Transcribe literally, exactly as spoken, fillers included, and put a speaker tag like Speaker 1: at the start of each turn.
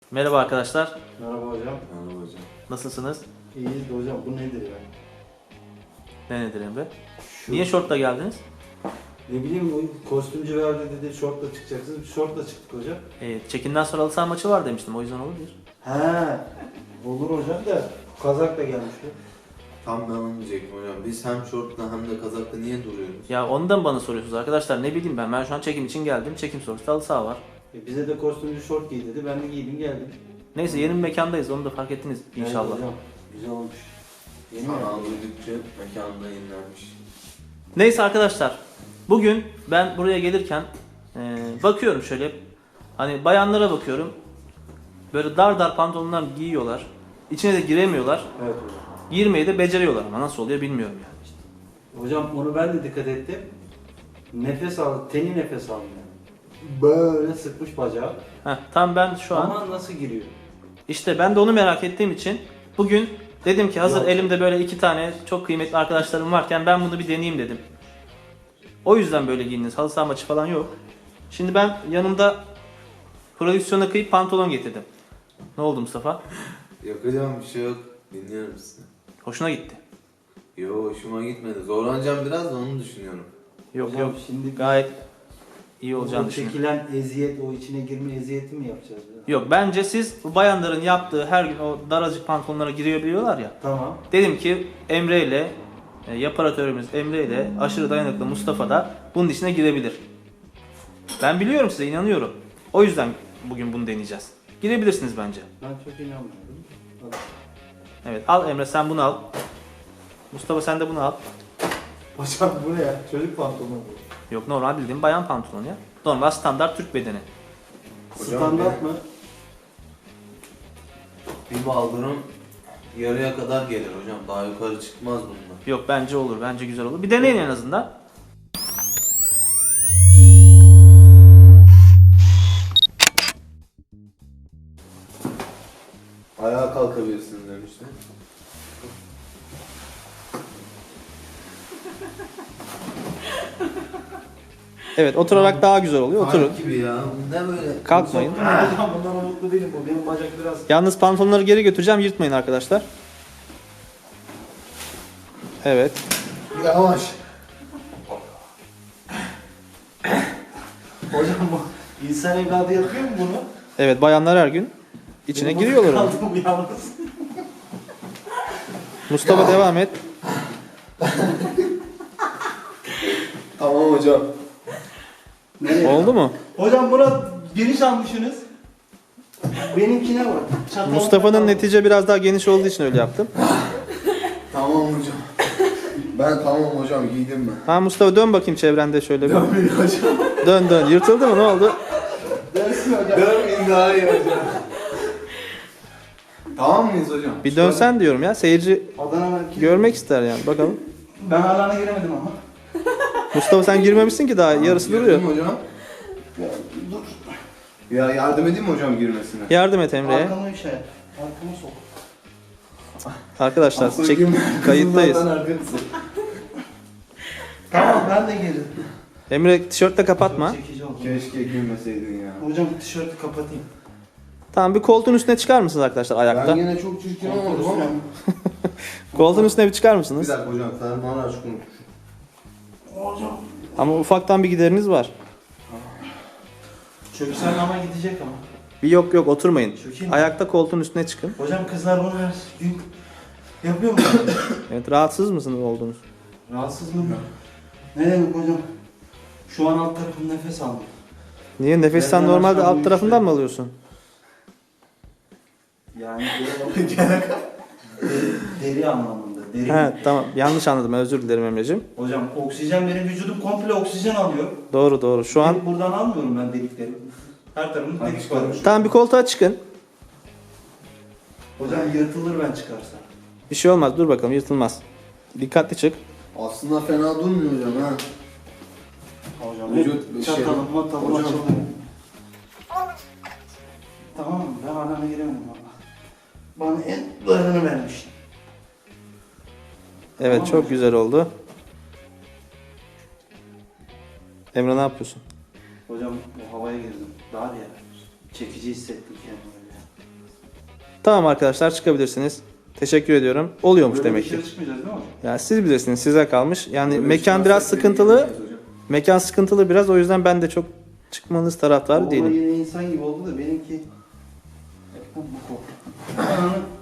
Speaker 1: Merhaba arkadaşlar.
Speaker 2: Merhaba hocam.
Speaker 3: Merhaba hocam.
Speaker 1: Nasılsınız?
Speaker 2: İyiyiz de hocam, bu nedir ya?
Speaker 1: Ne nedir Emre?
Speaker 2: Şu,
Speaker 1: Niye şortla geldiniz?
Speaker 2: Ne bileyim, o kostümcü verdi dedi, şortla çıkacaksınız. Biz şortla çıktık hocam.
Speaker 1: E, çekinden sonra halı saha maçı var demiştim. O yüzden olabilir.
Speaker 2: He, olur hocam da kazak da gelmişti.
Speaker 3: Tam ben onu diyecektim hocam. Biz hem şortla hem de kazakla niye duruyoruz?
Speaker 1: Ya ondan bana soruyorsunuz arkadaşlar. Ne bileyim ben. Ben şu an çekim için geldim. Çekim sonrası halı saha var.
Speaker 2: E bize de kostümcü şort giy dedi, ben de giydim geldim.
Speaker 1: Neyse yeni bir mekandayız. Onu da fark ettiniz inşallah.
Speaker 2: Evet hocam, güzel olmuş. Yeni mi?
Speaker 3: Kanal duydukça mekanda yenilenmiş.
Speaker 1: Neyse arkadaşlar. Bugün ben buraya gelirken e, bakıyorum şöyle. Hani bayanlara bakıyorum. Böyle dar dar pantolonlar giyiyorlar. İçine de giremiyorlar.
Speaker 2: Evet hocam.
Speaker 1: Girmeyi de beceriyorlar ama nasıl oluyor bilmiyorum yani.
Speaker 2: Hocam onu ben de dikkat ettim. Nefes al, teni nefes almıyor. Böyle sıkmış bacağı.
Speaker 1: Heh, tam ben şu an
Speaker 2: Ama nasıl giriyor?
Speaker 1: İşte ben de onu merak ettiğim için bugün dedim ki hazır
Speaker 2: Yok.
Speaker 1: elimde böyle iki tane çok kıymetli arkadaşlarım varken ben bunu bir deneyeyim dedim. O yüzden böyle giyindiniz. Halı saha maçı falan yok. Şimdi ben yanımda prodüksiyona kıyıp pantolon getirdim. Ne oldu Mustafa?
Speaker 3: Yok hocam bir şey yok. Dinliyorum sizi.
Speaker 1: Hoşuna gitti.
Speaker 3: Yo hoşuma gitmedi. Zorlanacağım biraz da onu düşünüyorum.
Speaker 1: Yok
Speaker 2: Hocam
Speaker 1: yok.
Speaker 2: şimdi
Speaker 1: Gayet iyi
Speaker 2: o
Speaker 1: olacağını düşünüyorum.
Speaker 2: çekilen eziyet, o içine girme eziyeti mi yapacağız? Ya?
Speaker 1: Yok bence siz bu bayanların yaptığı her gün o daracık pantolonlara girebiliyorlar ya.
Speaker 2: Tamam.
Speaker 1: Dedim ki Emre ile e, yaparatörümüz Emre ile aşırı dayanıklı Mustafa da bunun içine girebilir. Ben biliyorum size inanıyorum. O yüzden bugün bunu deneyeceğiz. Girebilirsiniz bence.
Speaker 2: Ben çok inanmıyorum. Hadi.
Speaker 1: Evet al Emre sen bunu al. Mustafa sen de bunu al.
Speaker 2: Hocam bu ne ya? Çocuk pantolonu bu.
Speaker 1: Yok normal bildiğin bayan pantolonu ya. Normal standart Türk bedeni.
Speaker 3: Hocam
Speaker 2: Standart
Speaker 3: bir-
Speaker 2: mı?
Speaker 3: Bir baldırım yarıya kadar gelir hocam. Daha yukarı çıkmaz bunlar.
Speaker 1: Yok bence olur bence güzel olur. Bir deneyin en azından.
Speaker 3: Ayağa kalkabilirsiniz demişti.
Speaker 1: Evet oturarak daha güzel oluyor oturun.
Speaker 3: Kalk gibi ya. Ne böyle?
Speaker 1: Kalkmayın.
Speaker 2: Hocam bundan umutlu değilim bu. Benim bacak biraz...
Speaker 1: Yalnız pantolonları geri götüreceğim yırtmayın arkadaşlar. Evet.
Speaker 3: Yavaş.
Speaker 2: Hocam bu insan evladı yapıyor mu bunu?
Speaker 1: Evet bayanlar her gün içine
Speaker 2: Benim
Speaker 1: giriyorlar onu.
Speaker 2: kaldım yalnız.
Speaker 1: Mustafa devam et.
Speaker 3: Tamam hocam.
Speaker 2: Nereye?
Speaker 1: Oldu mu?
Speaker 2: Hocam buna geniş almışsınız. Benimkine bak. Çatal-
Speaker 1: Mustafa'nın netice biraz daha geniş olduğu için öyle yaptım.
Speaker 3: Tamam hocam. Ben tamam hocam giydim ben.
Speaker 1: Ha Mustafa dön bakayım çevrende şöyle bir.
Speaker 3: Dönmeyin hocam.
Speaker 1: Dön dön. Yırtıldı mı? Ne oldu?
Speaker 2: Dersin hocam.
Speaker 3: Dönmeyin daha iyi hocam. Tamam mıyız hocam?
Speaker 1: Bir dönsen diyorum ya. Seyirci
Speaker 2: Adana'nın
Speaker 1: görmek ister yani. Bakalım.
Speaker 2: Ben alana giremedim ama.
Speaker 1: Mustafa sen girmemişsin ki daha. Yarısı duruyor.
Speaker 3: Girdim hocam.
Speaker 2: Ya, dur.
Speaker 3: Ya yardım edeyim mi hocam girmesine?
Speaker 1: Yardım et Emre'ye.
Speaker 2: Arkamı şey. Arkamı sok.
Speaker 1: Arkadaşlar
Speaker 3: Aslında
Speaker 1: çek
Speaker 3: girme-
Speaker 1: kayıttayız.
Speaker 3: Kızım zaten arkası.
Speaker 2: Tamam ben de girdim.
Speaker 1: Emre tişörtle kapatma.
Speaker 2: Çok çekici oldu.
Speaker 3: Keşke girmeseydin ya.
Speaker 2: Hocam tişörtü kapatayım.
Speaker 1: Tamam bir koltuğun üstüne çıkar mısınız arkadaşlar ayakta?
Speaker 3: Ben yine çok çirkin olmadım ama.
Speaker 1: Koltuğun üstüne bir çıkar
Speaker 3: Bir
Speaker 1: mısınız?
Speaker 3: dakika hocam fermuarı aç konuş.
Speaker 2: Hocam.
Speaker 1: Ama ufaktan bir gideriniz var.
Speaker 2: Çöksel ama gidecek ama.
Speaker 1: Bir yok yok oturmayın.
Speaker 2: Çökeyim mi?
Speaker 1: Ayakta koltuğun üstüne çıkın.
Speaker 2: Hocam kızlar bunu her gün yapıyor mu?
Speaker 1: Evet rahatsız mısınız oldunuz?
Speaker 2: Rahatsız mı? Ne demek hocam? Şu an alt tarafım nefes almıyor.
Speaker 1: Niye? Nefes sen
Speaker 2: Nereden
Speaker 1: normalde
Speaker 2: aşağı
Speaker 1: alt tarafından
Speaker 2: büyük
Speaker 1: mı alıyorsun?
Speaker 2: Yani deri, deri anlamında. Deri.
Speaker 1: He tamam yanlış anladım özür dilerim Emre'cim.
Speaker 2: Hocam oksijen benim vücudum komple oksijen alıyor.
Speaker 1: Doğru doğru şu an.
Speaker 2: Delik buradan almıyorum ben delikleri. Her tarafım
Speaker 3: Hadi
Speaker 2: delik
Speaker 3: çıkalım.
Speaker 2: var.
Speaker 1: Tamam bir koltuğa çıkın.
Speaker 2: Hocam yırtılır ben çıkarsam.
Speaker 1: Bir şey olmaz dur bakalım yırtılmaz. Dikkatli çık.
Speaker 3: Aslında fena durmuyor hocam ha.
Speaker 2: Hocam
Speaker 3: Vücut bir şey-
Speaker 2: çatalım matalım
Speaker 3: Hocam.
Speaker 2: açılıyor. Tamam ben alana giremedim valla. Bana en darını vermiştin.
Speaker 1: Evet
Speaker 2: Tamam
Speaker 1: çok
Speaker 2: mı?
Speaker 1: güzel oldu. Emre ne yapıyorsun?
Speaker 2: Hocam bu havaya girdim. Dar ya. Çekici hissettim kendimi.
Speaker 1: Tamam arkadaşlar, çıkabilirsiniz. Teşekkür ediyorum. Oluyormuş
Speaker 2: Böyle
Speaker 1: demek ki.
Speaker 2: dışarı çıkmayacağız değil mi hocam?
Speaker 1: Yani siz bilirsiniz, size kalmış. Yani
Speaker 4: Böyle
Speaker 1: mekan
Speaker 4: çıkarsak
Speaker 1: biraz
Speaker 4: beni
Speaker 1: sıkıntılı.
Speaker 4: yemeyiz hocam.
Speaker 1: Mekan sıkıntılı biraz, o yüzden ben de çok çıkmanız taraftarı
Speaker 2: Oğlum
Speaker 1: değilim.
Speaker 2: yine insan gibi oldu da benimki hep bu bu kok. Ananı